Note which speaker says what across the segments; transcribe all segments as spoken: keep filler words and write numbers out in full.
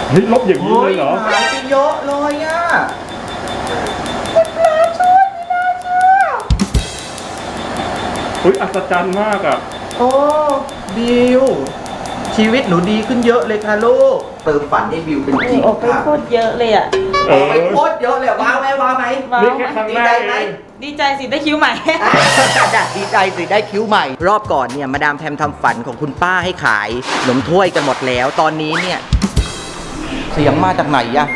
Speaker 1: เฮ้ยลบอย่างนี้เลยเหรอ
Speaker 2: หายไปเยอะเลยอ่ะคุณปลาช่วยไม่น่าเชื่อ
Speaker 1: เฮ้ยอัศจรรย์มากอ่ะ
Speaker 2: โอ้บิวชีวิตหนูดีขึ้นเยอะเลยค่ะลูกเติมฝันให้บิวเป็นจริง
Speaker 3: ออกไป
Speaker 2: ค่ะ
Speaker 3: โคตรเยอะเลยอ่ะ
Speaker 2: ออกไปโคตรเยอะเลยว้าวไหมว้าวไหม
Speaker 3: ว้าว
Speaker 1: นี่แค่ครั้ง
Speaker 2: ดี
Speaker 1: แร
Speaker 2: ใจ
Speaker 1: ก
Speaker 2: ไหม
Speaker 1: เอง
Speaker 3: ดีใจสิได้คิ้วใหม่
Speaker 2: ดีใจสิได้คิ้วใหม่ รอบก่อนเนี่ยมาดามแพมทำฝันของคุณป้าให้ขายขนมถ้วยกันหมดแล้ว ตอนนี้เนี่ยเสียงมาจากไหนอะ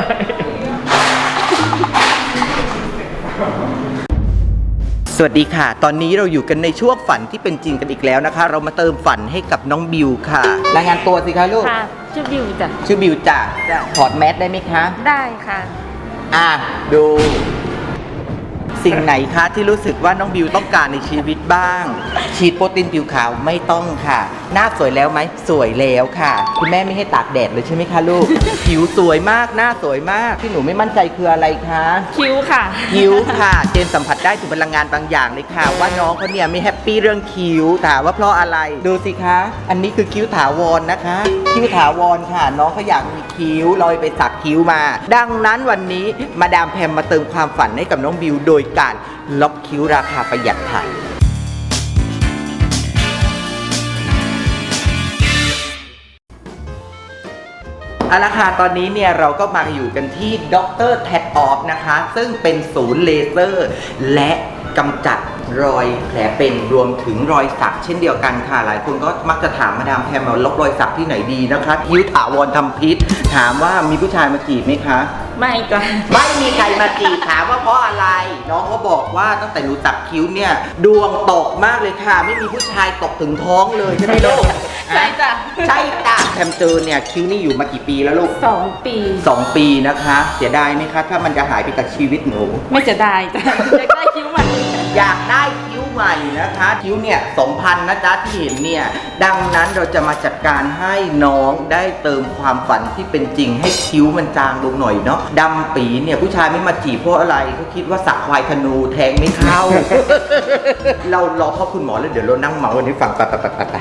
Speaker 2: สวัสดีค่ะ ตอนนี้เราอยู่กันในช่วงฝันที่เป็นจริงกันอีกแล้วนะคะ เรามาเติมฝันให้กับน้องบิวค่ะ รายงานตัวสิคะลูก
Speaker 3: ค่ะ ชื่อบิวจ้ะ
Speaker 2: ชื่อบิวจ้ะถอดแมสได้ไหมคะ
Speaker 3: ได้ค่ะ
Speaker 2: อ่ะดูสิ่งไหนคะที่รู้สึกว่าน้องบิวต้องการในชีวิตบ้าง ฉีดโปรตีนผิวขาวไม่ต้องค่ะ หน้าสวยแล้วไหมสวยแล้วค่ะ คุณแม่ไม่ให้ตากแดดเลยใช่ไหมคะลูก ผิวสวยมากหน้าสวยมากที่หนูไม่มั่นใจคืออะไรคะ
Speaker 3: คิ้วค่ะ
Speaker 2: คิ้วค่ะ เจนสัมผัสได้ถึงพลังงานบางอย่างเลยค่ะ ว่าน้องเขาเนี่ยไม่แฮปปี้เรื่องคิ้วถามว่าเพราะอะไรดูสิคะ อันนี้คือคิ้วถาวรนะคะ คิ้วถาวรค่ะ น้องเขาอยากมีคิ้วลอยไปสักคิ้วมา ดังนั้นวันนี้มาดามแพมมาเติมความฝันให้กับน้องบิวโดยการล็อกคิ้วราคาประหยัดค่ะเอาละค่ะตอนนี้เนี่ยเราก็มาอยู่กันที่ด็อกเตอร์แท็ดออฟนะคะ ซึ่งเป็นศูนย์เลเซอร์ และกำจัดรอยแผลเป็นรวมถึงรอยสักเช่นเดียวกันค่ะหลายคนก็มักจะถามมาดามแพมว่าลบรอยสักที่ไหนดีนะคะคิ้วถาวรทำพิษถามว่ามีผู้ชายมาจีบไหมคะ
Speaker 3: ไม่จ้ะ
Speaker 2: ไม่มีใครมาจีบถามว่าเพราะอะไร น้องเขาบอกว่าตั้งแต่หนูสักคิ้วเนี่ยดวงตกมากเลยค่ะ ไม่มีผู้ชายตกถึงท้องเลยใช่ไหมลูก
Speaker 3: ใช่จ้ะ
Speaker 2: ใช่จ้ะแพมเจอเนี่ยคิ้วนี่อยู่มากี่ปีแล้วลูก
Speaker 3: สองปี
Speaker 2: สองปีนะคะเสียดายไหมคะถ้ามันจะหายไปจากชีวิตหนู
Speaker 3: ไม่จะได้จ้ะอยากได้คิ้วใหม่
Speaker 2: อยากได้คิ้วใหม่นะคะคิ้วเนี่ยสองพันนะจ๊ะที่เห็นเนี่ยดังนั้นเราจะมาจัดการให้น้องได้เติมความฝันที่เป็นจริงให้คิ้วมันจางลงหน่อยเนาะดำปีเนี่ยผู้ชายไม่มาจีบเพราะอะไรเขาคิดว่าสักควายธนูแทงไม่เข้า เรารอพ่อคุณหมอแล้วเดี๋ยวเรานั่งเมาวันนี้ฟังไปไปไปไป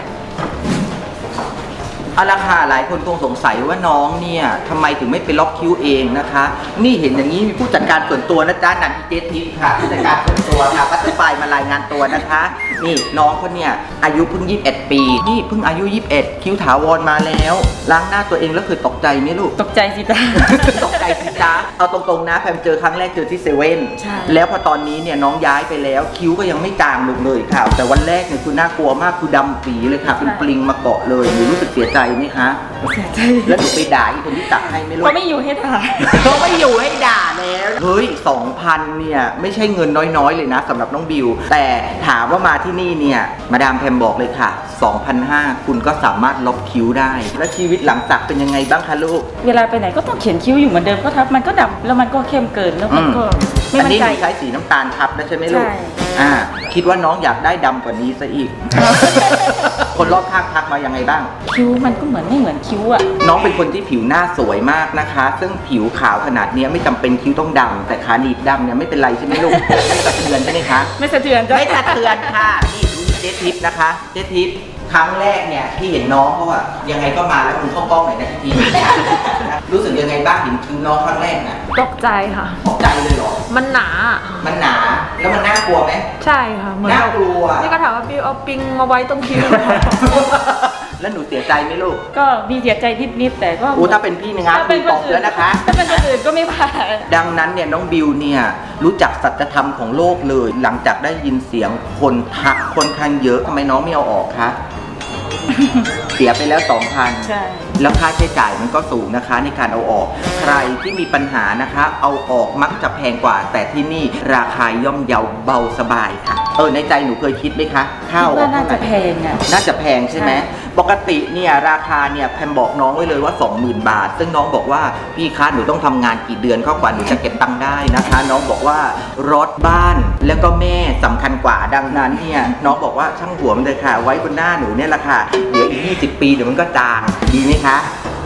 Speaker 2: เอาละค่ะหลายคนคงสงสัยว่าน้องเนี่ยทำไมถึงไม่ไปล็อกคิ้วเองนะคะ นี่เห็นอย่างนี้มีผู้จัดการส่วนตัวนะจ๊ะนันทิเจทิพย์ค่ะผู้จัดการส่วนตัวค่ะพัตไฟมารายงานตัวนะคะ นี่น้องเขาเนี่ยอายุเพิ่งยี่สิบเอ็ดปีนี่เพิ่งอายุยี่สิบเอ็ดคิ้วถาวรมาแล้วล้างหน้าตัวเองแล้วเคยตกใจไหมลูก
Speaker 3: ตกใจสิจ้ะ
Speaker 2: ตกใจสิจ๊ะเอาตรงๆนะแพมเจอครั้งแรกเจอที่เซเว่น
Speaker 3: ใช่
Speaker 2: แล้วพอตอนนี้เนี่ยน้องย้ายไปแล้วคิ้วก็ยังไม่จางลงเลยค่ะ แต่วันแรกเนี่ยคือน่ากลัวมากคือดำปีเลยค่ะเป็นปลิงมาเกาะเลยหนูรู้สึกเสียใจไหมคะ
Speaker 3: เสียใจ
Speaker 2: แล้วหนูไปด่าอีกคนที่ตักให้ไหม่รู้
Speaker 3: เขาไม่อยู่ให้ถ่าย
Speaker 2: เขาไม่อยู่ให้ด่าแล้วเฮ้ยสองพันเนี่ยไม่ใช่เงินน้อยๆเลยนะสำหรับน้องบิวแต่ถามว่ามาที่นี่เนี่ยมาดามแพมบอกเลยค่ะ สองพันห้าร้อย คุณก็สามารถลบคิ้วได้ แล้วชีวิตหลังสักเป็นยังไงบ้างคะลูก
Speaker 3: เวลาไปไหนก็ต้องเขียนคิ้วอยู่เหมือนเดิมก็ทับมันก็ดำแล้วมันก็เข้มเกินแล้วมันก็ไม่
Speaker 2: อัน
Speaker 3: มั่น
Speaker 2: นี้
Speaker 3: ใจ
Speaker 2: หนูใช้สีน้ำตาลทับนะใช่ไหมลูก
Speaker 3: ใช่
Speaker 2: อ่า คิดว่าน้องอยากได้ดำกว่านี้ซะอีก คนรอบข้างทักมายังไงบ้าง
Speaker 3: คิ้วมันก็เหมือนไม่เหมือนคิ้วอ่ะ
Speaker 2: น้องเป็นคนที่ผิวหน้าสวยมากนะคะ ซึ่งผิวขาวขนาดเนี้ยไม่จำเป็นคิ้วต้องดำแต่ขาหนีบดำเนี่ยไม่เป็นไรใช่ไหมลูก ไม่สะเทือนใช่ไหมคะ
Speaker 3: ไม่สะเทือนจ้ะ
Speaker 2: ไม่สะเทือนค่ะนี่ดูเจ๊ทิพย์นะคะ เจ๊ทิพย์ครั้งแรกเนี่ยที่เห็นน้องเขาอะยังไงก็มาแล้วคุณเข้ากล้องหน่อยนะทีรู้สึกยังไงบ้างเห็นคิ้วน้องครั้งแรกน่ะ
Speaker 4: ตกใจค่ะ
Speaker 2: ตกใจเลยเหรอ
Speaker 4: มันหนา
Speaker 2: มันหนา แล้วมันน่ากลัวไหม
Speaker 4: ใช่ค่ะ เหมือน
Speaker 2: น่า
Speaker 4: แบบ
Speaker 2: กลัว
Speaker 4: นี่ก็ถามว่าบิวเอาปิงมาไว้ตรงคิ้ว
Speaker 2: แล้วหนูเสียใจไหมลูก
Speaker 3: ก็มีเสียใจนิดๆแต่ก็
Speaker 2: อู้ถ้าเป็นพี่นะงานคุณตบแล้วนะคะ
Speaker 3: ถ้าเป็นคนอื่นก็ไม่ผ่าน
Speaker 2: ดังนั้นเนี่ยน้องบิวเนี่ยรู้จักสัจธรรมของโลกเลย หลังจากได้ยินเสียงคนทักค่อนข้างเยอะทำไมน้องไม่เอาออกคะ เสียไปแล้ว สองพัน
Speaker 3: ใช่
Speaker 2: แล้วค่าใช้จ่ายมันก็สูงนะคะในการเอาออก ใครที่มีปัญหานะคะ เอาออกมักจะแพงกว่า แต่ที่นี่ราคาย่อมเยาเบาสบายค่ะ เออในใจหนูเคยคิดไหมคะค่าเอาอ
Speaker 3: ว่า
Speaker 2: อก
Speaker 3: น่า
Speaker 2: เท่าไห
Speaker 3: จะ
Speaker 2: ร่
Speaker 3: แพงอ่ะ
Speaker 2: น่าจะแพงใช่ไหม
Speaker 3: ใช่
Speaker 2: ปกติเนี่ยราคาเนี่ยแพมบอกน้องไว้เลยว่า สองหมื่น บาท ซึ่งน้องบอกว่าพี่คะหนูต้องทำงานกี่เดือนเข้ากว่าหนูจะเก็บตังค์ได้นะคะ น้องบอกว่ารถบ้านแล้วก็แม่สำคัญกว่าดังนั้นเนี่ยน้องบอกว่าช่างหัวมันเลยค่ะ ไว้บนหน้าหนูเนี่ยแหละค่ะเดี๋ยวอีกยี่สิบปีเดี๋ยวมันก็จางดีไหมคะ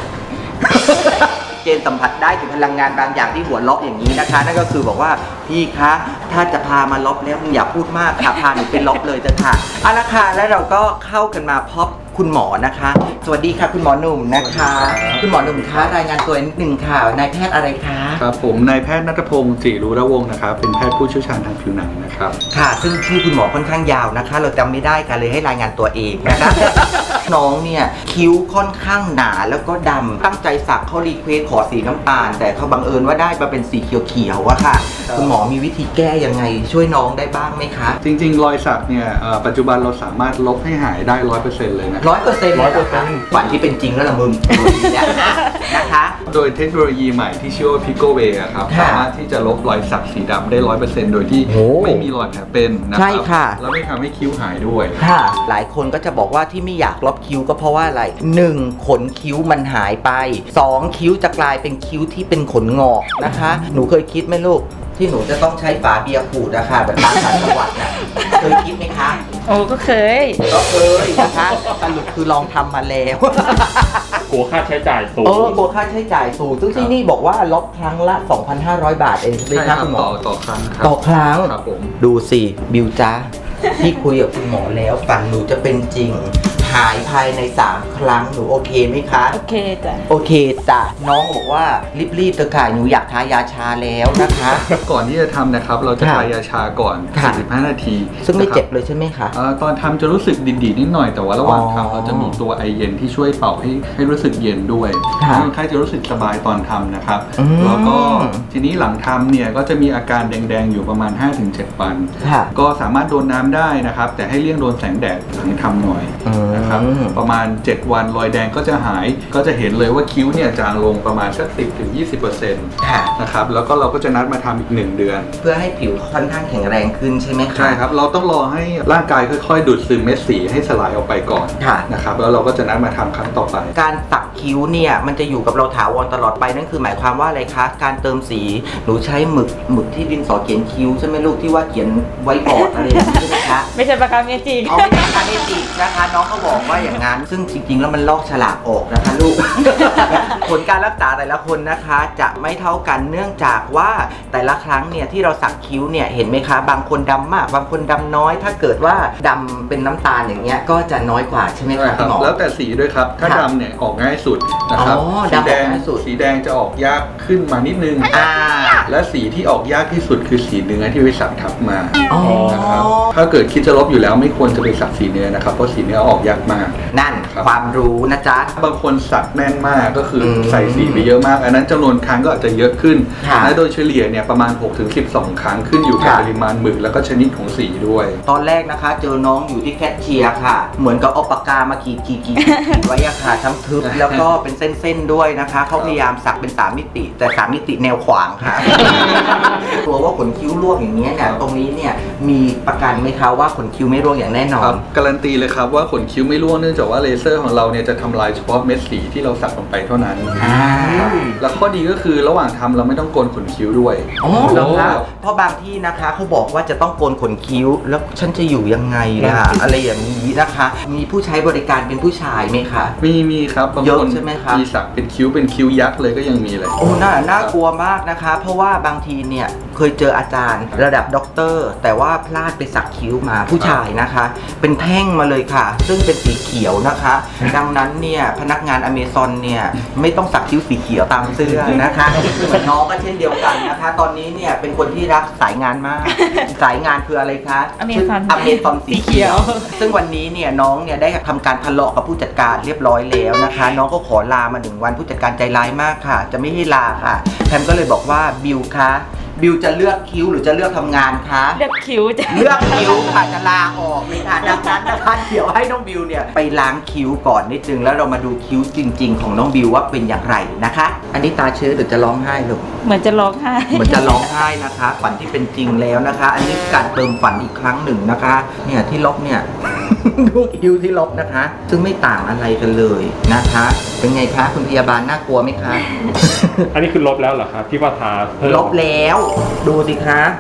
Speaker 2: เจนสัมผัสได้ถึงพลังงานบางอย่างที่หัวล็อกอย่างนี้นะคะ นั่นก็คือบอกว่าพี่คะถ้าจะพามาล็อกแล้วมึงอย่าพูดมากค่ะพาหนูไปล็อกเลยเถอะค่ะเอาละค่ะแล้วเราก็เข้ากันมาพบคุณหมอนะคะ สวัสดีค่ะคุณหมอหนุ่มนะคะ คุณหมอหนุ่มคะรายงานตัวนิดนึงค่ะนายแพทย์อะไรคะ
Speaker 5: ครับผมนายแพทย์ณัฐพงศ์ศรีรุระวงศ์นะครับเป็นแพทย์ผู้เชี่ยวชาญทางผิวหนังนะครับ
Speaker 2: ค่ะซึ่งชื่อคุณหมอค่อนข้างยาวนะคะ เราจำไม่ได้กันเลยให้รายงานตัวเองนะคะ น้องเนี่ยคิ้วค่อนข้างหนาแล้วก็ดำตั้งใจสักเขารีเควสขอสีน้ำตาล แต่เขาบังเอิญว่าได้มาเป็นสีเขียวๆอะค่ะ คุณหมอมีวิธีแก้ยังไงช่วยน้องได้บ้างไหมคะ
Speaker 5: จริงๆ รอยสักเนี่ยเอ่อปัจจุบันเราสามารถลบให้หายได้ร้อยเปอร์เซ็นต์เลยนะ
Speaker 2: ร้อยเปอร์เซ็นต์ร้อยเปอร์เซ็นต์ฝันที่เป็นจริงแล้วละมึงเนี่ยนะคะ
Speaker 5: โดยเทคโนโลยีใหม่ที่ชื่อว่า Pico Way อะครับ
Speaker 2: ค่ะ
Speaker 5: สามารถที่จะลบรอยสักสีดำได้ร้อยเปอร์เซ็นต์โดยที่
Speaker 2: โอ้
Speaker 5: ไม่มีรอยแผลเป็นนะค
Speaker 2: ใช่
Speaker 5: รั
Speaker 2: ค่ะ
Speaker 5: แล้วไม่ทำให้คิ้วหายด้วย
Speaker 2: ค่ะ หลายคนก็จะบอกว่าที่ไม่อยากลบคิ้วก็เพราะว่าอะไรหนึ่งขนคิ้วมันหายไปสองคิ้วจะกลายเป็นคิ้วที่เป็นขนงอกนะคะ หนูเคยคิดไหมลูกที่หนูจะต้องใช้ฝาเบียร์ขูดนะคะแบบตามต่างจังหวัดนะเคยคิดไหมคะ
Speaker 3: โอ้ก็เคย
Speaker 2: ก็เคยนะคะสรุปคือลองทำมาแล้ว
Speaker 1: กลัวค่าใช้จ่ายสูง
Speaker 2: เออกลัวค่าใช้จ่ายสูงซึ่งที่นี่บอกว่าลบครั้งละ สองพันห้าร้อย บาทเองใช่ไหม
Speaker 5: ใช่
Speaker 2: ค
Speaker 5: ค
Speaker 2: รั
Speaker 5: รั
Speaker 2: บบ คุณหม
Speaker 5: ต่
Speaker 2: อ
Speaker 5: อต่อครั้งครับ
Speaker 2: ต่อครั้ง
Speaker 5: ครับผม
Speaker 2: ดูสิบิวจ้าที่คุยกับคุณหมอแล้วฝันหนูจะเป็นจริง หายภายในสามครั้งหนูโอเคไหมคะ
Speaker 3: โอเคจ้ะ
Speaker 2: โอเคจ้ะน้องบอกว่ารีบๆเถอะค่ะหนูอยากทายาชาแล้วนะคะ
Speaker 5: ก่อนที่จะทำนะครับเราจะ
Speaker 2: ค่ะ
Speaker 5: ทายาชาก่อน
Speaker 2: ค่ะ
Speaker 5: สี่สิบห้านาที
Speaker 2: ซึ่งไม่
Speaker 5: นะครับ
Speaker 2: เจ็บเลยใช่ไหมคะ
Speaker 5: เอ่อตอนทำจะรู้สึกดีดๆนิดหน่อยแต่ว่าระหว่าง
Speaker 2: อ๋อ
Speaker 5: ทำเราจะมีตัวไอเย็นที่ช่วยเป่าให้ให้รู้สึกเย็นด้วย
Speaker 2: ค่ะ
Speaker 5: คนไข้จะรู้สึกสบายตอนทำนะครับ
Speaker 2: อืม
Speaker 5: แล้วก็ทีนี้หลังทำเนี่ยก็จะมีอาการแดงๆอยู่ประมาณ ห้าถึงเจ็ด วัน
Speaker 2: ค่ะ
Speaker 5: ก็สามารถโดนน้ำได้นะครับ แต่ให้เลี่ยงโดนแสงแดดหลังทำหน่อย
Speaker 2: อืม
Speaker 5: นะครับประมาณ เจ็ด วันรอยแดงก็จะหายก็จะเห็นเลยว่าคิ้วเนี่ยจางลงประมาณสัก สิบถึงยี่สิบเปอร์เซ็นต์
Speaker 2: ค่ะ
Speaker 5: นะครับแล้วก็เราก็จะนัดมาทำอีกหนึ่งเดือน
Speaker 2: เพื่อให้ผิวค่อนข้างแข็งแรงขึ้นใช่ไหมคะ
Speaker 5: ใช่ครับ เราต้องรอให้ร่างกายค่อยๆ ดูดซึมเม็ดสีให้สลายออกไปก่อน
Speaker 2: ค่ะ
Speaker 5: นะครับ แล้วเราก็จะนัดมาทำครั้งต่อไป
Speaker 2: การสักคิ้วเนี่ยมันจะอยู่กับเราถาวรตลอดไปนั่นคือหมายความว่าอะไรคะการเติมสีหนูใช้หมึกหมึกที่ดินสอเขียนคิ้วใช่ไหมลูกที่ว่าเขียนไว้บอร์ดอะไรอย่างนี้ใช่ไหมคะ
Speaker 3: ไม่ใช่ปากกาเมจิก
Speaker 2: เอาไม่ใช่คาเนติกนะคะน้องเขาบอกว่าอย่างนั้นซึ่งจริงๆแล้วมันลอกฉลากออกนะคะลูก ผลการรักษาแต่ละคนนะคะจะไม่เท่ากันเนื่องจากว่าแต่ละครั้งเนี่ยที่เราสักคิ้วเนี่ยเห็นไหมคะบางคนดำมากบางคนดำน้อย ถ้าเกิดว่าดำเป็นน้ำตาลอย่างเงี้ยก็จะน้อยกว่าใช่ไหม
Speaker 5: ใช่
Speaker 2: คะ
Speaker 5: ครั
Speaker 2: คุ
Speaker 5: บ
Speaker 2: ณหมอ
Speaker 5: แล้วแต่สีด้วยครับ ถ้า
Speaker 2: ค่ะ
Speaker 5: ดำเนี่ยออกง่ายสุดนะครับ
Speaker 2: อ๋อ
Speaker 5: สี
Speaker 2: ดำออก
Speaker 5: แดง
Speaker 2: ง่ายสุด
Speaker 5: สีแดงจะออกยากขึ้นมานิดนึง
Speaker 2: อ่า
Speaker 5: และสีที่ออกยากที่สุดคือสีเนื้อที่ไปสักทับมา
Speaker 2: อ๋อ
Speaker 5: นะครับถ้าเกิดคิดจะลบอยู่แล้วไม่ควรจะไปสักสีเนื้อนะครับ เพราะสีเนื้อออกยากมาก
Speaker 2: นั่น
Speaker 5: ครับ
Speaker 2: ความรู้นะจ๊ะ
Speaker 5: บางคนสักแน่นมากก็คืออ
Speaker 2: ม
Speaker 5: ใส่สีไปเยอะมาก อันนั้นจำนวนครั้งก็อาจจะเยอะขึ้น
Speaker 2: ค่ะ
Speaker 5: และโดยเฉลี่ยเนี่ยประมาณ หกถึงสิบสอง ครั้งขึ้นอยู่กับ
Speaker 2: ค่ะ
Speaker 5: ปริมาณหมึกแล้วก็ชนิดของสีด้วย
Speaker 2: ตอนแรกนะคะ เจอน้องอยู่ที่แคชเชียร์ค่ะ เหมือนกับเอาปากกามาขีดขีดขีดขีดไว้อะค่ะทั้งทึบแล้วก็เป็นเส้นๆด้วยนะคะเขาพยายามสักเป็นสามมิติ แต่สามมิติแนวขวางค่ะ กลัวว่าขนคิ้วร่วงอย่างเงี้ยเนี่ยตรงนี้เนี่ยมีประกันไหมคะว่าขนคิ้วไม่ร่วงอย่างแน่นอ
Speaker 5: คน รับการันตีเลยครับว่าขนคิ้วไม่ร่วงเนื่องจากว่าเลเซอร์ของเราเนี่ยจะทำลายเฉพาะเม็ดสีที่เราสักลงไปเท่านั้น
Speaker 2: อ่า
Speaker 5: ครับแล้วข้อดีก็คือระหว่างทำเราไม่ต้องโกนขนคิ้วด้วย
Speaker 2: อ๋อเหรอคะเพราะบางที่นะคะเขาบอกว่าจะต้องโกนขนคิ้ว แล้วฉันจะอยู่ยังไงล่ะอะไรอย่างนี้นะคะ มีผู้ใช้บริการเป็นผู้ชายไหมคะ
Speaker 5: มีมีครับบาง
Speaker 2: เยอะ
Speaker 5: คน
Speaker 2: ใช่ไหมครับ
Speaker 5: มีสักเป็นคิ้วเป็นคิ้วยักษ์เลยก็ยังมีเลย
Speaker 2: โอ้น่าน่ากลัวมากนะคะ เพราะว่าบางทีเนี่ยเคยเจออาจารย์ระดับด็อกเตอร์ แต่ว่าพลาดไปสักคิ้วมาผู้ชายนะคะ เป็นแท่งมาเลยค่ะ ซึ่งเป็นสีเขียวนะคะ ดังนั้นเนี่ยพนักงานอเมซอนเนี่ยไม่ต้องสักคิ้วสีเขียวตามเสื้อนะคะส่วนน้องก็เช่นเดียวกันนะคะ ตอนนี้เนี่ยเป็นคนที่รักสายงานมาก สายงานคืออะไรคะ
Speaker 3: Amazon
Speaker 2: อเมซอนสีเขียว ซึ่งวันนี้เนี่ยน้องเนี่ยได้ทำการทะเลาะกับผู้จัดการเรียบร้อยแล้วนะคะ น้องก็ขอลามาหนึ่งวันผู้จัดการใจร้ายมากค่ะ จะไม่ให้ลาค่ะแพมก็เลยบอกว่าบิวคะบิวจะเลือกคิ้วหรือจะเลือกทำงานคะ
Speaker 3: เลือกคิ้วจ้ะ
Speaker 2: เลือกคิ้วค่ะจะลาออกเลยค่ะดังนั้นนะคะเดี๋ยวให้น้องบิวเนี่ยไปล้างคิ้วก่อนนิดนึงแล้วเรามาดูคิ้วจริง ๆ ของน้องบิวว่าเป็นอย่างไรนะคะ อันนี้ตาเชื้อหรือจะร้องไห้ลูก
Speaker 3: เหมือนจะร้องไห้
Speaker 2: เหมือนจะร้องไห้นะคะ ฝันที่เป็นจริงแล้วนะคะ อันนี้การเติมฝันอีกครั้งหนึ่งนะคะ เนี่ยที่ลบเนี่ย ดูคิ้วที่ลบนะคะ ซึ่งไม่ต่างอะไรกันเลยนะคะ เป็นไงคะคุณพยาบาลน่ากลัวไหมคะ
Speaker 1: อันนี้คือลบแล้วเหรอครับที่ว่าทาเพิ่ม
Speaker 2: ลบแล้ว ดูสิคะ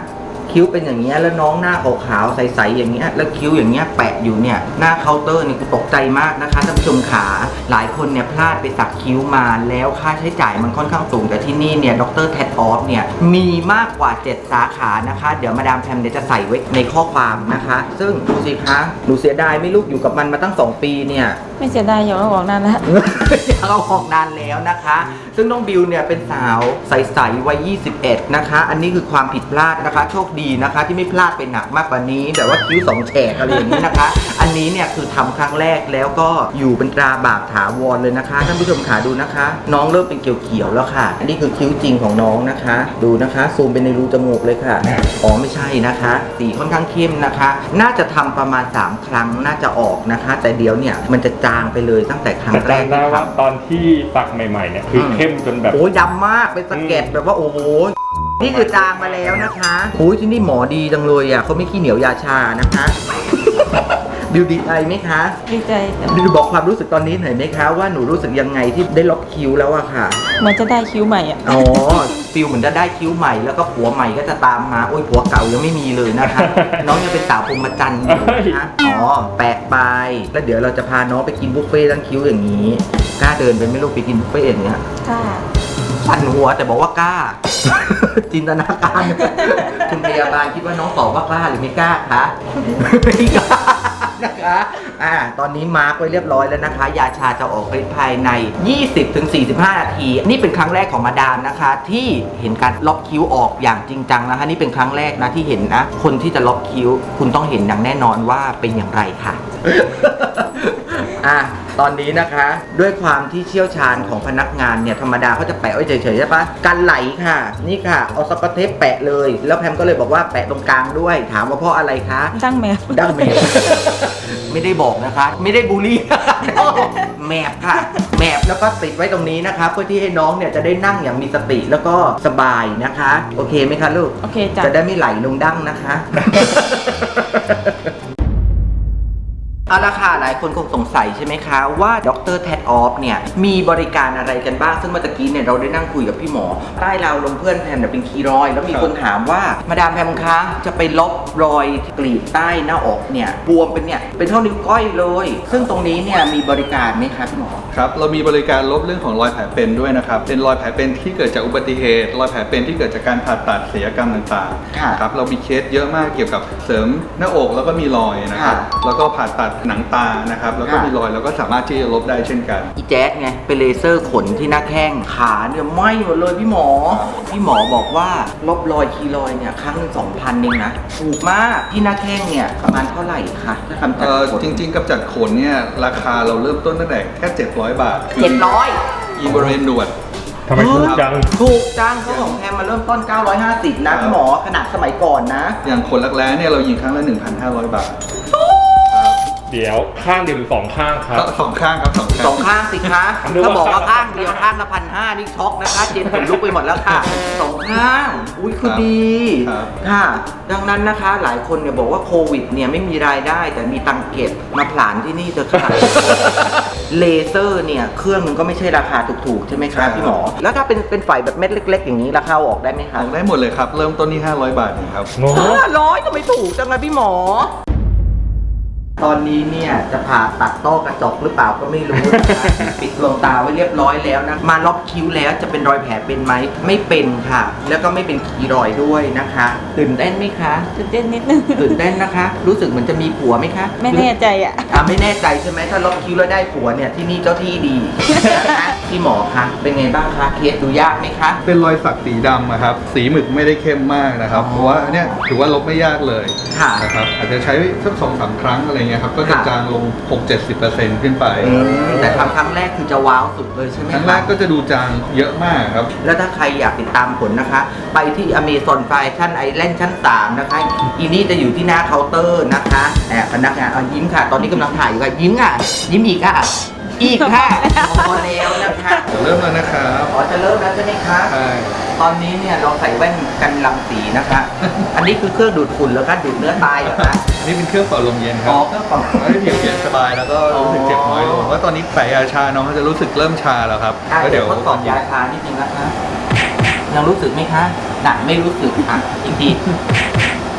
Speaker 2: คิ้วเป็นอย่างเงี้ยแล้วน้องหน้าขาวๆใสๆอย่างเงี้ยแล้วคิ้วอย่างเงี้ยแปะอยู่เนี่ยหน้าเคาน์เตอร์นี่กูตกใจมากนะคะท่านผู้ชมขาหลายคนเนี่ยพลาดไปสักคิ้วมาแล้วค่าใช้จ่ายมันค่อนข้างสูงแต่ที่นี่เนี่ยดรแทดออฟเนี่ยมีมากกว่าเจ็ดสาขานะคะเดี๋ยวมาดามแพมเดี๋ยวจะใส่ไว้ในข้อความนะคะซึ่งดูสิคะหนูเสียดายไม่ลูกอยู่กับมันมาตั้งสองปีเนี่ย
Speaker 3: ไม่เสียดายอย่าเอาออกนานแล้ว
Speaker 2: เราออกนานแล้วนะคะ ซึ่งน้องบิวเนี่ยเป็นสาวใสๆวัยยี่สิบเอ็ดนะคะ อันนี้คือความผิดพลาดนะคะ โชคดีนะคะที่ไม่พลาดไปหนักมากกว่านี้แต่ว่าคิ้วสองแฉกอะไรอย่างนี้นะคะ อันนี้เนี่ยคือทำครั้งแรกแล้วก็อยู่เป็นตราบาปถาวรเลยนะคะท่านผู้ชมขาดูนะคะ น้องเริ่มเป็นเขียวๆแล้วค่ะ อันนี้คือคิ้วจริงของน้องนะคะ ดูนะคะซูมไปในรูจมูกเลยค่ะอ๋อไม่ใช่นะคะสีค่อนข้างเข้มนะคะ น่าจะทำประมาณสามครั้งน่าจะออกนะคะ แต่เดี๋ยวเนี่ยมันจะจางไปเลยตั้งแต่ครั้งแรก
Speaker 1: แต่จำได้
Speaker 2: ที่
Speaker 1: ว่า
Speaker 2: ทำ
Speaker 1: ตอนที่สักใหม่ๆเนี่ยคือเข้มจนแบบ
Speaker 2: โอ้ยดำมากเป็นสะเก็ดแบบว่าโอ้โหนี่คือจางมาแล้วนะคะโอ้ยที่นี่หมอดีจังเลยอ่ะเขาไม่ขี้เหนียวยาชานะคะ บิวดีใจไหมคะ
Speaker 3: ดีใจจ้ะ
Speaker 2: บิวบอกความรู้สึกตอนนี้หน่อยไหมคะว่าหนูรู้สึกยังไงที่ได้ลบคิ้วแล้วอะค่ะ
Speaker 3: เหมันจะได้คิ้วใหม่อ่ะ
Speaker 2: อ๋อฟิลเหมือนจะได้คิ้วใหม่แล้วก็ผัวใหม่ก็จะตามมาโอ้ยผัวเก่ายังไม่มีเลยนะคะ น้องยังเป็นสาวพรหมจรรย์อยู่นะคะอ๋อแปะไปแล้วเดี๋ยวเราจะพาน้องไปกินบุฟเฟ่ต์ทั้งคิ้วอย่างนี้กล้าเดินไปไหม่ลูกไปกินบุฟเฟ่ต์อย่างเงี้ย
Speaker 3: ค่ะ
Speaker 2: สั่นหัวแต่บอกว่ากล้า จินตนาการ คุณพยาบาลคิดว่าน้องตอบว่ากล้าหรือไม่กล้าคะ ไม่กล้านะคะอ่าตอนนี้มาร์กไว้เรียบร้อยแล้วนะคะ ยาชาจะออกฤทธิ์ภายใน ยี่สิบถึงสี่สิบห้า นาที นี่เป็นครั้งแรกของมาดามนะคะ ที่เห็นการล็อกคิ้วออกอย่างจริงจังนะคะ นี่เป็นครั้งแรกนะที่เห็นนะ คนที่จะล็อกคิ้ว คุณต้องเห็นอย่างแน่นอนว่าเป็นอย่างไรค่ะ อ่ะตอนนี้นะคะด้วยความที่เชี่ยวชาญของพนักงานเนี่ยธรรมดาเขาจะแปะไว้เฉยๆใช่ปะกันไหลค่ะนี่ค่ะเอาสกอตเทปแปะเลยแล้วแพมก็เลยบอกว่าแปะตรงกลางด้วยถามว่าเพราะอะไรคะ
Speaker 3: ดั้งแมว
Speaker 2: ดั้งแมว ไม่ได้บอกนะคะ ไม่ได้บูลลี่ แมบค่ะแมบแล้วก็ติดไว้ตรงนี้นะคะเพื่อที่ให้น้องเนี่ยจะได้นั่งอย่างมีสติแล้วก็สบายนะคะโอเคไหมคะลูก
Speaker 3: โอเคจ้ะ
Speaker 2: จะได้ไม่ไหลลงดั้งนะคะ เอาละค่ะหลายคนคงสงสัยใช่ไหมคะว่าดรแทดออฟเนี่ยมีบริการอะไรกันบ้างซึ่งเมื่อกี้เนี่ยเราได้นั่งคุยกับพี่หมอใต้เราลงเพื่อนแพมเนี่ยเป็นคีรอยด์แล้วมีคนถามว่ามาดามแพมคะจะไปลบรอยกรีดใต้หน้าอกเนี่ยบวมเป็นเนี่ยเป็นเท่านิ้วก้อยเลยซึ่งตรงนี้เนี่ยมีบริการไหมคะพี่หมอ
Speaker 5: ครับเรามีบริการลบเรื่องของรอยแผลเป็นด้วยนะครับเป็นรอยแผลเป็นที่เกิดจากอุบัติเหตุรอยแผลเป็นที่เกิดจากการผ่าตัดศัลยกรรมต่าง
Speaker 2: ค่ะ
Speaker 5: ๆครับเรามีเคสเยอะมากเกี่ยวกับเสริมหน้าอกแล้วก็มีรอยนะครับ
Speaker 2: ค่ะ
Speaker 5: แล้วก็ผ่าตัดหนังตานะครับแล้วก็
Speaker 2: ค่ะ
Speaker 5: มีรอยแล้วก็สามารถที่จะลบได้เช่นกัน
Speaker 2: อีแจ๊ดไงเป็นเลเซอร์ขนที่หน้าแข้งขาเนี่ยไหม้หมดเลยพี่หมอ พี่หมอบอกว่าลบรอยคีรอยด์เนี่ยครั้งหนึ่งสองพันเองนะถูกมากที่หน้าแข้งเนี่ยประมาณเท่าไหร่คะถ้าทำจัด
Speaker 5: เอ่อ
Speaker 2: ขน
Speaker 5: จริงๆกับจัดขนเนี่ยราคาเราเริ่มต้นตั้งแต่แค่เจ็ดร้อยบาทคื
Speaker 2: เจ็ดร้อย
Speaker 5: อีบริเวณหนวด
Speaker 1: ทำไมถูกจัง
Speaker 2: ถูกจังเขาของแพมมาเริ่มต้นเก้าร้อยห้าสิบนะพี่หมอขนาดสมัยก่อนนะ
Speaker 5: อย่างขนรักแร้เนี่ยเรายิงครั้งละ หนึ่งพันห้าร้อย บาท
Speaker 1: เดี๋ยวข้างเดียวหรือสองข้างครับ
Speaker 5: สองข้างครับสองข้าง
Speaker 2: สองข้างสิคะ
Speaker 1: นึกว่า
Speaker 2: ถ้าบอกว่าข้างเดียวข้างละพันห้านี่ช็อกนะคะเจนขนลุกไปหมดแล้วค่ะสองข้างอุ้ยคือดี
Speaker 5: ครับ
Speaker 2: ค่ะ ดังนั้นนะคะหลายคนเนี่ยบอกว่าโควิดเนี่ยไม่มีรายได้แต่มีตังค์เก็บมาผลานที่นี่เถอะค่ะ เลเซอร์เนี่ยเครื่องนึงก็ไม่ใช่ราคาถูกๆใช่ไหมคะพี่หมอ แล้วถ้าเป็นเป็นฝ่ายแบบเม็ดเล็ก ๆ อย่างนี้ราคาเอาออกได้ไหม
Speaker 5: อ
Speaker 2: คะ
Speaker 5: อกได้หมดเลยครับ เริ่มต้นที่ห้าร้อยบาทเองครับ
Speaker 1: โอ้โห
Speaker 2: ห้าร้อยทำไมถูกจังเลยพี่หมอ ตอนนี้เนี่ยจะผ่าตัดต้อกระจกหรือเปล่าก็ไม่รู้นะคะ ปิดดวงตาไว้เรียบร้อยแล้วนะมาล็อกคิ้วแล้วจะเป็นรอยแผลเป็นไหมไม่เป็นค่ะ แล้วก็ไม่เป็นคีรอยด์ด้วยนะคะตื่นเต้นไหมคะ
Speaker 3: ตื่นเต้นนิดนึง
Speaker 2: ตื่นเต้นนะคะ รู้สึกเหมือนจะมีผัวไหมคะ
Speaker 3: ไม่แน่ใจอ่ะ
Speaker 2: อ่ะไม่แน่ใจใช่ไหมถ้าล็อกคิ้วแล้วได้ผัวเนี่ยที่นี่เจ้าที่ดี นะคะพี่หมอคะเป็นไงบ้างคะเคสดูยากไหมคะ
Speaker 5: เป็นรอยสักสีดำอะครับ สีหมึกไม่ได้เข้มมากนะครับ
Speaker 2: อ๋อ
Speaker 5: เพราะว่าเนี่ยถือว่าลบไม่ยากเลย
Speaker 2: ค่ะ
Speaker 5: นะครับ อาจจะใช้สักสองสามครั้งอะไรเงี้ยครับ ก็จะ
Speaker 2: ค่ะ
Speaker 5: จางลง หกถึงเจ็ดสิบเปอร์เซ็นต์ ขึ้นไป
Speaker 2: อืมแต่ทำครั้งแรกคือจะว้าวสุดเลยใช่ไหม
Speaker 5: ครั้งแรกก็จะดูจางเยอะมากครับ
Speaker 2: แล้วถ้าใครอยากติดตามผลนะคะ ไปที่ Amazon Fashion Island ชั้น สาม นะคะ อีนี่จะอยู่ที่หน้าเคาน์เตอร์นะคะแอบพนักงานเอายิ้มค่ะ ตอนนี้กำลังถ่ายอยู่ค่ะ ยิ้มอ่ะ ยิ้มอีกอ่ะ อีกค่ะพอแล้วนะคะ
Speaker 5: เริ่มแล้วนะครับ
Speaker 2: ขอจะเริ่มแล้วใช่ไหมคะ
Speaker 5: ใช่
Speaker 2: ตอนนี้เนี่ยเราใส่แว่นกันรังสีนะคะ อันนี้คือเครื่องดูดฝุ่นแล้วก็ดูดเนื้อตายเหรอคะ
Speaker 5: นี่เป็นเครื่องเป่าลมเย็นค
Speaker 2: อ๋
Speaker 5: รั
Speaker 2: อบ เครื่องเป่า
Speaker 5: ให้ผิวเย็นสบายแล้วก็รู้สึกเจ็บน้อยลงว่าะตอนนี้แผลยาชาน้องเขาจะรู้สึกเริ่มชาแล้วครับ
Speaker 2: อ่ะ
Speaker 5: แล้ว
Speaker 2: เดี๋
Speaker 5: เดี๋
Speaker 2: ย
Speaker 5: ยว ว
Speaker 2: ทดสอบยาชานิดนึงนะคะ ยังรู้สึกไหมคะหนักไม่รู้สึกอ่ะอีกที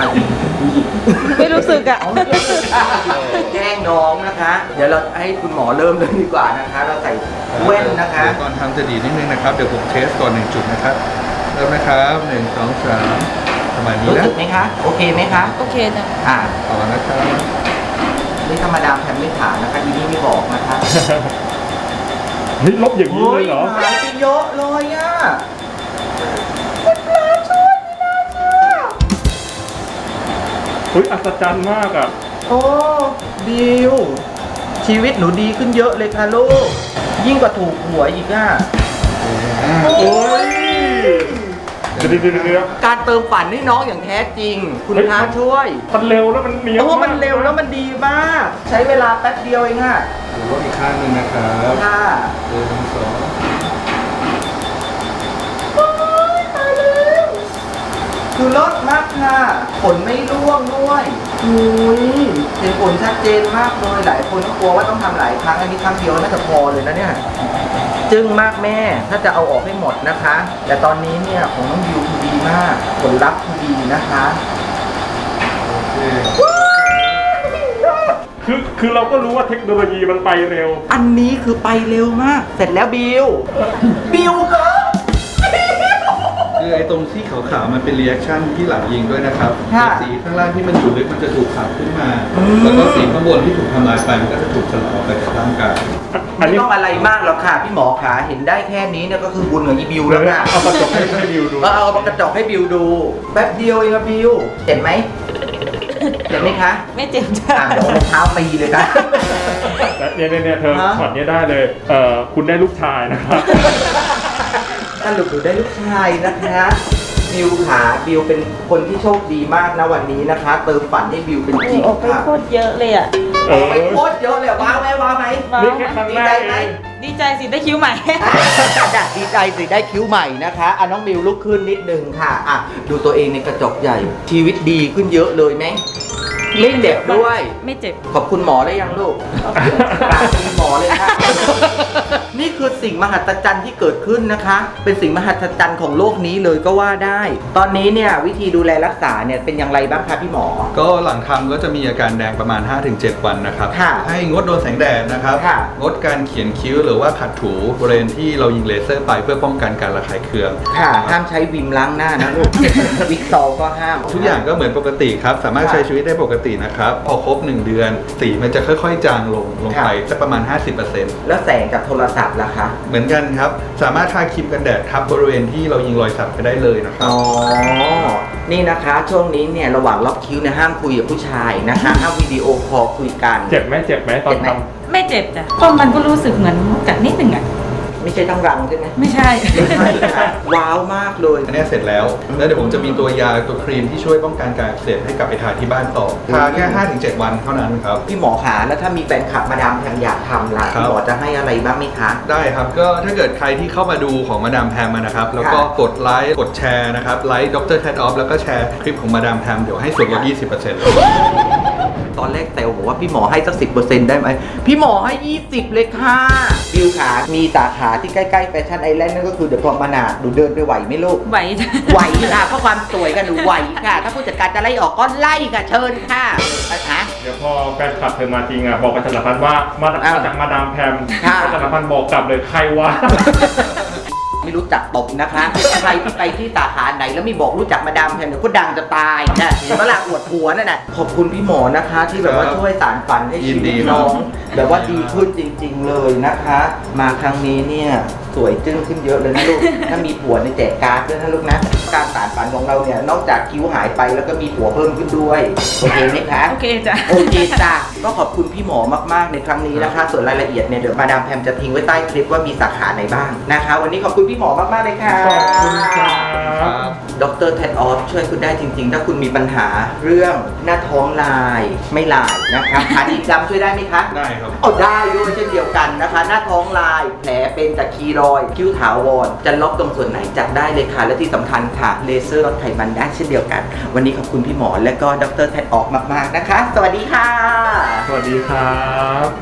Speaker 2: อ่ะผู้หญิง
Speaker 3: ไม่รู้สึกอ่ะ
Speaker 2: แกล้งน้องนะคะ เดี๋ยวเราให้คุณหมอเริ่มเลยดีกว่านะคะ เราใส่แว่นนะคะ
Speaker 5: เดี๋ยวตอนทำจะดีนิดนึงนะครับ เดี๋ยวผมเทสก่อนหนึ่งจุดนะครับ เริ่มนะครับหนึ่งสองสามประมาณนี้
Speaker 2: รู้
Speaker 5: นะ
Speaker 2: สึกไหมคะ โอเคไหมคะ
Speaker 3: โอเคจ้ะ
Speaker 2: อ่า
Speaker 5: ต่อนะครับ
Speaker 2: นี่ธรรมดาแพมไม่ถามนะคะอีนี่ไม่บอกนะคะ
Speaker 1: เฮ้ยลบอย่างนี้เลยเหรอ
Speaker 2: หายไปเยอะเลยอ่ะ
Speaker 1: เฮ้ยอัศจรรย์มากอ่ะ
Speaker 2: โอ้บิวชีวิตหนูดีขึ้นเยอะเลยค่ะลูก ยิ่งกว่าถูกหวยอีกอ่ะ
Speaker 1: โอ้ยเดี๋ยวเดี๋ยวเดี๋ยวเดี๋ยว
Speaker 2: การเติมฝันให้น้องอย่างแท้จริง คุณ
Speaker 1: เฮ้ย
Speaker 2: พระช่วย
Speaker 1: มันเร็วแล้วมันเนียน
Speaker 2: โอ้
Speaker 1: มาก
Speaker 2: มันเร็วแล้วมันดีมาก ใช้เวลาแป๊บเดียวเองอ่ะ
Speaker 5: หรือว่าอีกข้างหนึ่งนะครับ
Speaker 2: ค่ะ
Speaker 5: หนึ่งสอง
Speaker 2: คือลดมากค่ะผลไม่ร่วงด้วยอุ้ยเห็นผลชัดเจนมากเลยหลายคนก็กลัวว่าต้องทำหลายครั้งอันนี้ครั้งเดียวน่าจะพอเลยนะเนี่ยจึ้งมากแม่ถ้าจะเอาออกให้หมดนะคะ แต่ตอนนี้เนี่ยของน้องบิวคือดีมาก ผลลัพธ์คือดีนะคะ
Speaker 5: โอเค
Speaker 1: คือคือเราก็รู้ว่าเทคโนโลยีมันไปเร็ว
Speaker 2: อันนี้คือไปเร็วมาก เสร็จแล้วบิวบิวครับ
Speaker 5: คือไอ้ตรงที่ขาวๆมันเป็นรีแอคชั่นที่หลังยิงด้วยนะครับ
Speaker 2: ค่ะ
Speaker 5: สีข้างล่างที่มันอยู่ลึกมันจะถูกขับขึ้นมา
Speaker 2: อืม
Speaker 5: แล้วก็สีข้างบนที่ถูกทำลายไปมันก็จะถูกสลายออกไปจากร่างกาย
Speaker 1: อัน
Speaker 2: ไม่
Speaker 1: นี้
Speaker 2: ต้องอะไรมากหรอกค่ะพี่หมอขาเห็นได้แค่นี้เนี่ยก็คือบุญของอีบิว
Speaker 1: เล
Speaker 2: แล้ว
Speaker 1: ย
Speaker 2: ค่ะ
Speaker 1: เอากระจกให้ให้ดิวดู
Speaker 2: เออเอากระจกให้บิวดูแป๊บเดียวเองอะบิวเห็นไหมเห็นไหมคะ
Speaker 3: ไม่เจ็บจ้ะ
Speaker 2: อ่ะเดี๋ยวเอารองเท้าตีเลยค่ะ
Speaker 1: เนี่ยเนี่ยเนี่ยเธอ
Speaker 2: ฮะ
Speaker 1: ช็อตเนี้ยได้เลย เอ่อคุณได้ลูกชายนะครับ
Speaker 2: สรุปหนูได้ลูกชายนะคะบิวขาบิวเป็นคนที่โชคดีมากนะวันนี้นะคะ เติมฝันให้บิวเป็นจริง
Speaker 3: ออกไป
Speaker 2: ค่ะ
Speaker 3: โคตรเยอะเลยอ่ะ
Speaker 1: เอ
Speaker 2: อ
Speaker 1: อ
Speaker 2: อกไปโคตรเยอะเลยว้าวไหมว้าวไหม
Speaker 3: ว้าว
Speaker 1: นี่แค่ครั้ง
Speaker 2: ดี
Speaker 1: แร
Speaker 2: ใจ
Speaker 1: ก
Speaker 2: ไหม
Speaker 1: เอง
Speaker 3: ดีใจสิได้คิ้วใหม่
Speaker 2: ดีใจสิได้คิ้วใหม่นะคะอ่ะน้องบิวลุกขึ้นนิดนึงค่ะอ่ะดูตัวเองในกระจกใหญ่ ชีวิตดีขึ้นเยอะเลยไหมไม่เจ็บด้วย
Speaker 3: ไม่เจ็บ
Speaker 2: ขอบคุณหมอได้ยังลูกกราบคุณหมอเลยค่ะ นี่คือสิ่งมหัศจรรย์ที่เกิดขึ้นนะคะ เป็นสิ่งมหัศจรรย์ของโลกนี้เลยก็ว่าได้ ตอนนี้เนี่ยวิธีดูแลรักษาเนี่ยเป็นอย่างไรบ้างคะพี่หมอ
Speaker 5: ก็หลังทำก็จะมีอาการแดงประมาณ ห้าถึงเจ็ด วันนะครับ
Speaker 2: ค่ะ
Speaker 5: ให้งดโดนแสงแดดนะครับ
Speaker 2: ค่ะ
Speaker 5: งดการเขียนคิ้วหรือว่าขัดถูบริเวณที่เรายิงเลเซอร์ไปเพื่อป้องกันการระคายเคือง
Speaker 2: ค่ะ ห้ามใช้วิมล้างหน้านะลูก วิกซอลก็ห้าม
Speaker 5: ทุกอย่างก็เหมือนปกติครับ สามารถ
Speaker 2: ค่ะ
Speaker 5: ใช้ชีวิตได้ปกตินะครับ พอครบหนึ่งเดือน สีมันจะค่อยๆ จางลงลงไป
Speaker 2: ค่ะ
Speaker 5: สักประมาณ ห้าสิบเปอร์เซ็นต์
Speaker 2: แล้วแสงจากโทรศัพท์ล่ะคะ
Speaker 5: เหมือนกันครับ สามารถทาครีมกันแดดทับบริเวณที่เรายิงรอยสักไปได้เลยนะครับ
Speaker 2: อ๋อ นี่นะคะช่วงนี้เนี่ยระหว่างล็อกคิ้วเนี่ยห้ามคุยกับผู้ชายนะคะ ห้ามวิดีโอคอลคุยกัน
Speaker 1: เจ็บไหมเจ็บไหมตอน
Speaker 2: เจ็บไหม
Speaker 1: ทำ
Speaker 3: ไม่เจ็บจ้ะเพราะมันก็รู้สึกเหมือนกัดนิดหนึ่งอ่ะ
Speaker 2: ไม่ใช่ทั้งรังใช่ไหม
Speaker 3: ไม่ใช่
Speaker 2: ไม่ใช่ค่ะว้าวมากเลย
Speaker 5: อันเนี้ยเสร็จแล้ว แล้วเดี๋ยวผมจะมีตัวยาตัวครีมที่ช่วยป้องกันการอักเสบให้กลับไปทาที่บ้านต่อ ทาแค่ ห้าถึงเจ็ด วันเท่านั้นครับ
Speaker 2: พี่หมอขาแล้วถ้ามีแฟนคลับมาดามแพมอยากทำล่ะ
Speaker 5: ครับ
Speaker 2: พี่หมอจะให้อะไรบ้างไหมคะ
Speaker 5: ได้ครับ ก็ถ้าเกิดใครที่เข้ามาดูของมาดามแพมนะครับ แล้วก็
Speaker 2: ค่ะ
Speaker 5: กดไลค์ กดแชร์นะครับ ไลค์ดรแทดออฟแล้วก็แชร์คลิปของมาดามแพมเดี๋ยวให้ส่วนลด ยี่สิบเปอร์เซ็นต์ เลย
Speaker 2: ตอนแรกเซลบอกว่าพี่หมอให้สักสิบเปอร์เซ็นต์ได้ไหม พี่หมอให้ยี่สิบเลยค่ะ บิวขา มีสาขาที่ใกล้ๆแฟชั่นไอแลนด์นั่นก็คือเดอะพรอมนาดหนูเดินไปไหวไหมลูก
Speaker 3: ไหวจ้ะ
Speaker 2: ไหวค่ะเพราะความสวยกันหนูไหวค่ะ ถ้าผู้จัดการจะไล่ออกก็ไล่ค่ะเชิญค่ะอ่ะฮะ
Speaker 1: เดี๋ยวพอแฟนคลับเธอมาจริงอ่ะบอกประชาสัมพันธ์ว่ามา
Speaker 2: อ้าว
Speaker 1: มาจากมาดามแพม
Speaker 2: ค่ะ
Speaker 1: ประชาสัมพันธ์บอกกลับเลยใครวะ
Speaker 2: ไม่รู้จักตบนะคะ ใครที่ไปที่สาขาไหนแล้วไม่บอกรู้จักมาดามแพมเนี่ยก็ดังจะตายนะเห็นเวลาอวดผัวนั่นน่ะขอบคุณพี่หมอนะคะ ที่แบบว่าช่วยสารฝันให้ชี
Speaker 5: ยินดี
Speaker 2: วิต
Speaker 5: ครับ
Speaker 2: น้องแบบว่าดีขึ้นจริง ๆ เลยนะคะ มาครั้งนี้เนี่ยสวยจึ้งขึ้นเยอะเลยนะลูก ถ้ามีผัวในยแจกการ์ดด้วยนะลูกนะ การสารฝันของเราเนี่ยนอกจากคิ้วหายไปแล้วก็มีผัวเพิ่มขึ้นด้วยโอเคไหมคะ
Speaker 3: โอเคจ้ะ
Speaker 2: โอเคจ้ะก็ขอบคุณพี่หมอมากๆในครั้งนี้นะคะ ส่วนรายละเอียดเนี่ยเดี๋ยวมาดามแพมจะทิ้งไว้ใต้คลิปว่ามีสาขาไหนบ้างนะคะ วันนี้ขอบคุณพี่หมอมากๆเลยค่ะ
Speaker 1: ขอบคุณครับ
Speaker 5: ครับ
Speaker 2: ดรแทดออฟช่วยคุณได้จริงๆ ถ้าคุณมีปัญหาเรื่องหน้าท้องลายไม่ลายนะคะขาดีดำช่วยได้ไหมคะ
Speaker 5: ได้ครับ
Speaker 2: เอาได้ด้วยเช่นเดียวกันนะคะ หน้าท้องลายแผลเป็นจากคีรอยด์คิ้วถาวรจะล็อกตรงส่วนไหนจัดได้เลยค่ะ และที่สำคัญค่ะเลเซอร์ลดไขมันได้เช่นเดียวกัน วันนี้ขอบคุณพี่หมอและก็ดรแทดออฟมากๆนะคะ สวัสดีค่ะ
Speaker 1: สวัสดีครับ